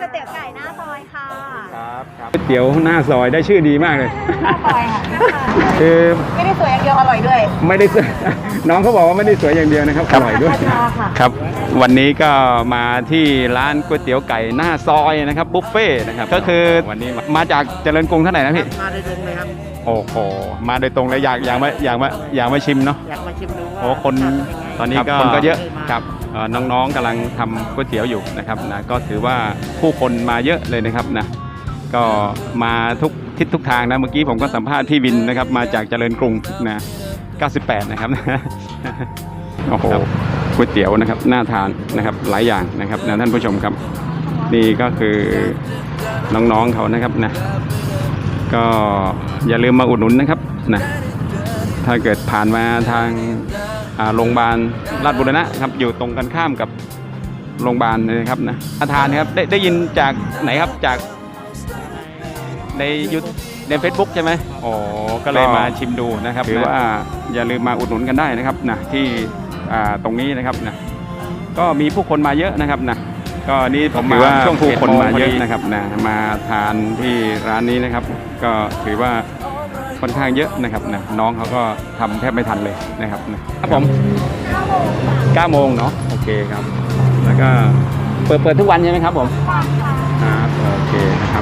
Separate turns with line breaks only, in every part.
วยเตี๋ยวไก่หน้าซอยค่ะ
ครับก๋วยเตี๋ยวหน้าซอยได้ชื่อดีมากเลย
หน้าซอยค่ะ
คือ
ไม่ได้สวยอย่างเดียวอร่อยด้วย
ไม่ได้น้องเขาบอกว่าไม่ได้สวยอย่างเดียวนะครับอร่อยด้วยครับวันนี้ก็มาที่ร้านก๋วยเตี๋ยวไก่หน้าซอยนะครับบุฟเฟ่นะครับก็คือวันนี้มาจากเจริญกรุงเท่าไหร่นะพี่
มาโดยตรงเลยครับ
โอ้โหมาโดยตรงเลยอยากมาชิมเนาะ
อยากมาชิมดูว่า
โอ้คนตอนนี้ก็คนก็เยอะครับน้องๆกำลังทำก๋วยเตี๋ยวอยู่นะครับนะก็ถือว่าผู้คนมาเยอะเลยนะครับนะก็มาทุกทิศทุกทางนะเมื่อกี้ผมก็สัมภาษณ์พี่วินนะครับมาจากเจริญกรุงนะ98นะครับโอ้โหก๋วยเตี๋ยวนะครับน่าทานนะครับหลายอย่างนะครับนะท่านผู้ชมครับนี่ก็คือน้องๆเขานะครับนะก็อย่าลืมมาอุดหนุนนะครับนะถ้าเกิดผ่านมาทางโรงพยาบาลราชบุรณะครับอยู่ตรงกันข้ามกับโรงพยาบาลนะครับนะอาทานครับได้ยินจากไหนครับจากในใน Facebook ใช่ไหมอ๋อก็เลยมาชิมดูนะครับหรือว่าอย่าลืมมาอุดหนุนกันได้นะครับนะที่ตรงนี้นะครับนะก็มีผู้คนมาเยอะนะครับนะก็นี่ผมมาช่วงผู้คนมาเยอะนะครับนะมาทานที่ร้านนี้นะครับก็ถือว่าค่อนข้างเยอะนะครับนะน้องเขาก็ทำแทบไม่ทันเลยนะครับนะครับผม9 โมงเนาะโอเคครับแล้วก็เปิดทุกวันใช่ไหมครับผมครับโอเคนะครับ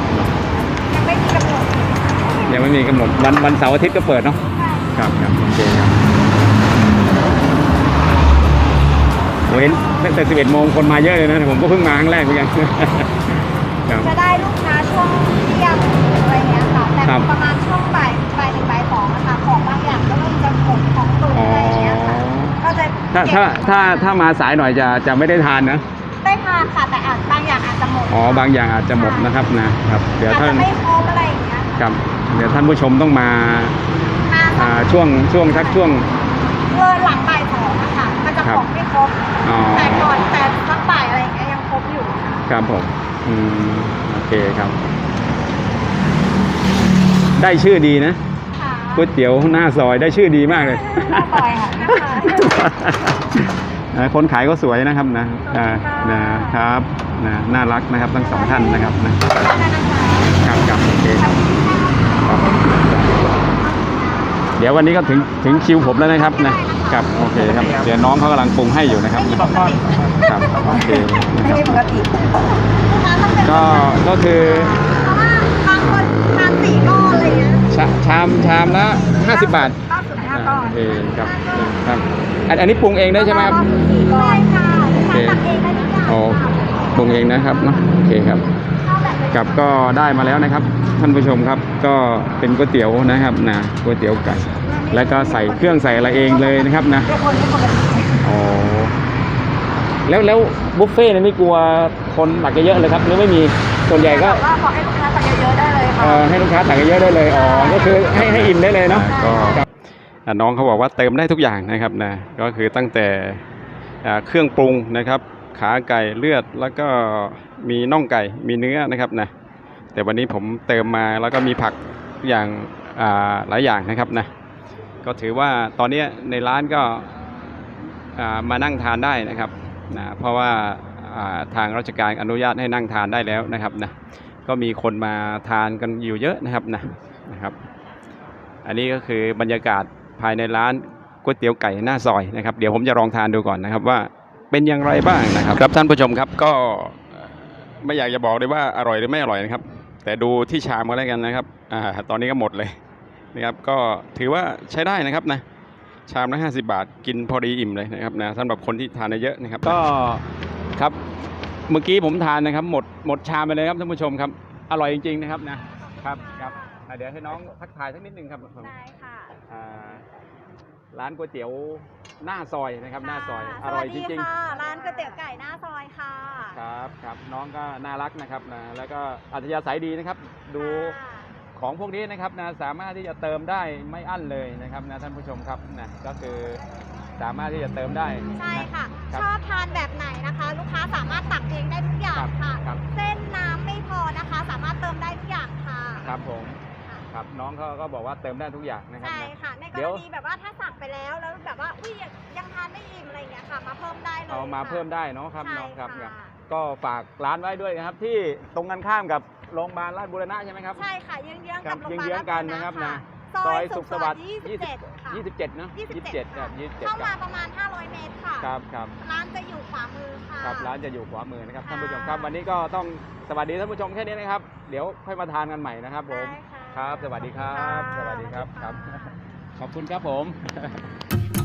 ยังไม่มีกำหนดวันเสาร์อาทิตย์ก็เปิดเนาะครับโอเคครับเห็นตั้งแต่11 โมงคนมาเยอะเลยนะผมก็เพิ่งมาครั้งแรกเหมือนกัน
จะได้ลูกค้าช่วงเที่ยงอะไรเงี้ยค่ะแต่ประมาณช่วงบ่าย1 บ่าย 2นะคะของบางอย่างก็เริ่มจะหมดของตุนอะไรเงี้ยค่ะก็จะ
ถ้ามาสายหน่อยจะไม่ได้ทานนะ
ได้ทานค่ะแต่บางอย่างอาจจะหมด
บางอย่างอาจจะหมดนะครับนะครับเดี๋ยวท่าน
ไม่ครบอะไรอย่างเงี้ย
ครับเดี๋ยวท่านผู้ชมต้องมาช่วง
หลังบ่าย 2นะคะมันจะของไม่ครบแต่ก่อนแต่สักบ่ายอะไรอย่างเงี้ยยังครบอยู่
ครับผมโอเคครับได้ชื่อดีนะก๋วยเตี๋ยวหน้าซอยได้ชื่อดีมากเลย
หน้าซอยค่ะ
คนขายก็สวยนะครับนะครับน่ารักนะครับทั้ง2 ท่านนะครับนะครับโอเคครับเดี๋ยววันนี้ก็ถึงคิวผมแล้วนะครับนะครับโอเคครับเดี๋ยวน้องเขากำลังปรุงให้อยู่นะครับครับโอเคนะครับก็คื
อบางคนทาน4 ก้อนอะไรเงี้ย
ชามละ50 บาท
95 ก้อน
โอเคครับอันนี้ปรุงเองได้ใช่ไหมครับ
ใช่ค่ะทำเองได้ทุกอย่าง
ปรุงเองนะครับเนาะโอเคครับกับก็ได้มาแล้วนะครับท่านผู้ชมครับก็เป็นก๋วยเตี๋ยวนะครับนะก๋วยเตี๋ยวไก่แล้วก็ใส่เครื่องใส่อะไรเองเลยนะครับนะแล้วบุฟเฟ่ต์นี่ไม่กลัวคนตักเยอะเลยครับหรือไม่มีส่วนใหญ่ก็
ขอให้ลูกค้าตักเยอะได้เลยค่ะ
ให้ลูกค้าตักเยอะได้เลยก็คือให้อิ่มได้เลยเนาะก็น้องเขาบอกว่าเติมได้ทุกอย่างนะครับนะก็คือตั้งแต่เครื่องปรุงนะครับขาไก่เลือดแล้วก็มีน่องไก่มีเนื้อนะครับนะแต่วันนี้ผมเติมมาแล้วก็มีผักอย่างหลายอย่างนะครับนะก็ถือว่าตอนนี้ในร้านก็มานั่งทานได้นะครับนะเพราะว่าทางราชการอนุญาตให้นั่งทานได้แล้วนะครับนะก็มีคนมาทานกันอยู่เยอะนะครับอันนี้ก็คือบรรยากาศภายในร้านก๋วยเตี๋ยวไก่หน้าซอยนะครับเดี๋ยวผมจะลองทานดูก่อนนะครับว่าเป็นอย่างไรบ้างนะครับครับท่านผู้ชมครับก็ไม่อยากจะบอกเลยว่าอร่อยหรือไม่อร่อยนะครับแต่ดูที่ชามก็แล้วกันนะครับตอนนี้ก็หมดเลยนะครับก็ถือว่าใช้ได้นะครับนะชามละ50 บาทกินพอดีอิ่มเลยนะครับนะสำหรับคนที่ทานเยอะนะครับก็ครับเมื่อกี้ผมทานนะครับหมดชามไปเลยครับท่านผู้ชมครับอร่อยจริงๆนะครับนะครับเดี๋ยวให้น้องทักทายสักนิดนึงครับ
ได้ค่ะ
ร้านก๋วยเตี๋ยวหน้าซอยนะครับหน้าซอยอร่อยจริง
ๆร้านก๋วยเตี๋ยวไก่หน้าซอยค่ะ
ครับน้องก็น่ารักนะครับนะแล้วก็อัธยาศัยดีนะครับดูของพวกนี้นะครับนะสามารถที่จะเติมได้ไม่อั้นเลยนะครับนะท่านผู้ชมครับนะก็คือสามารถที่จะเติมได้
ใช่ค่ะชอบทานแบบไหนนะคะลูกค้าสามารถตักเองได้ทุกอย่างค่ะเส้นน้ำไม่พอนะคะสามารถเติมได้ทุกอย่างค่ะ
ครับผมครับน้องเขาก็บอกว่าเติมได้ทุกอย่างนะครับ
ใช่ค่ะในกรณีแบบว่าถ้าสั่งไปแล้วแบบว่ายังทานไม่อิ่มอะไรอย่างเงี้ยค่ะมาเพิ่มได้เลย
เอามาเพิ่มได้เนาะครับน้องครับก็ฝากร้านไว้ด้วยนะครับที่ตรงกันข้ามกับโรงพยาบาลราชบูรณะใช่ไหมครับ
ใช่ค่ะเยื้องๆกับโรงพยาบาล
เยื้องๆกันนะครับนะ
ซอยสุขสวัสดิ์27ค่ะ
27นะ27ครับ27
เข้ามาประมาณ500เมตรค่ะ
ครับ
ร้านจะอยู่ขวามือค่ะ
ครับร้านจะอยู่ขวามือนะครับ
ค่ะ
ท่านผู้ชมครับวันนี้ก็ต้องสวัสดีท่านผู้ชมแค่นี้นะครับเดี๋ยวค่อยมาทานกันใหม่นะครับผม
ได้ค่ะ
ครับสวัสดีครับ
ค่ะ
สวัสดีครับ
สวัสดี
ครับ
ค่ะ
ขอบคุณครับผม